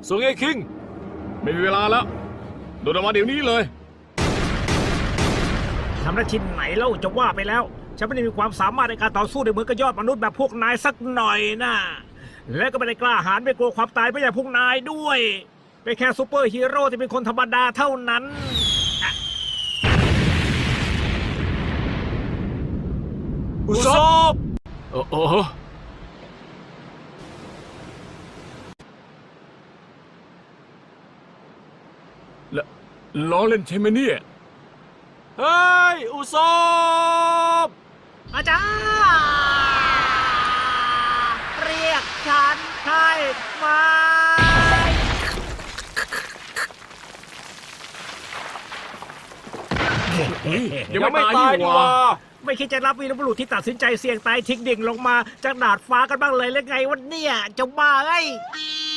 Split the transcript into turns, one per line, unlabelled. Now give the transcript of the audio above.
ส่งไอ้คิงไม่มีเวลาแล้วโดดออกมาเดี๋ยวนี้เลย
ทำได้ที่ไหนเล่าจะว่าไปแล้ว ฉันไม่ได้มีความสามารถในการต่อสู้ในเหมือนกับยอดมนุษย์แบบพวกนายสักหน่อยนะและก็ไม่ได้กล้าหาญไม่กลัวความตายไม่อย่างพวกนายด้วยเป็นแค่ซูเปอร์ฮีโร่ที่เป็นคนธรรมดาเท่านั้น
อุซบโอ้โหแล้วล้อเล่นใช่ไหมเนี่ย เฮ้ย อุซบ
อาจารย์เรียกฉันให้มา
ยังไม่ตายดีกว่า
ไม่คิดจะรับวีรบุรุษที่ตัดสินใจเสี่ยงตายทิ้งดิ่งลงมาจากดาดฟ้ากันบ้างเลยหรือไงวะเนี่ยเจ้าบ้าไอ้ย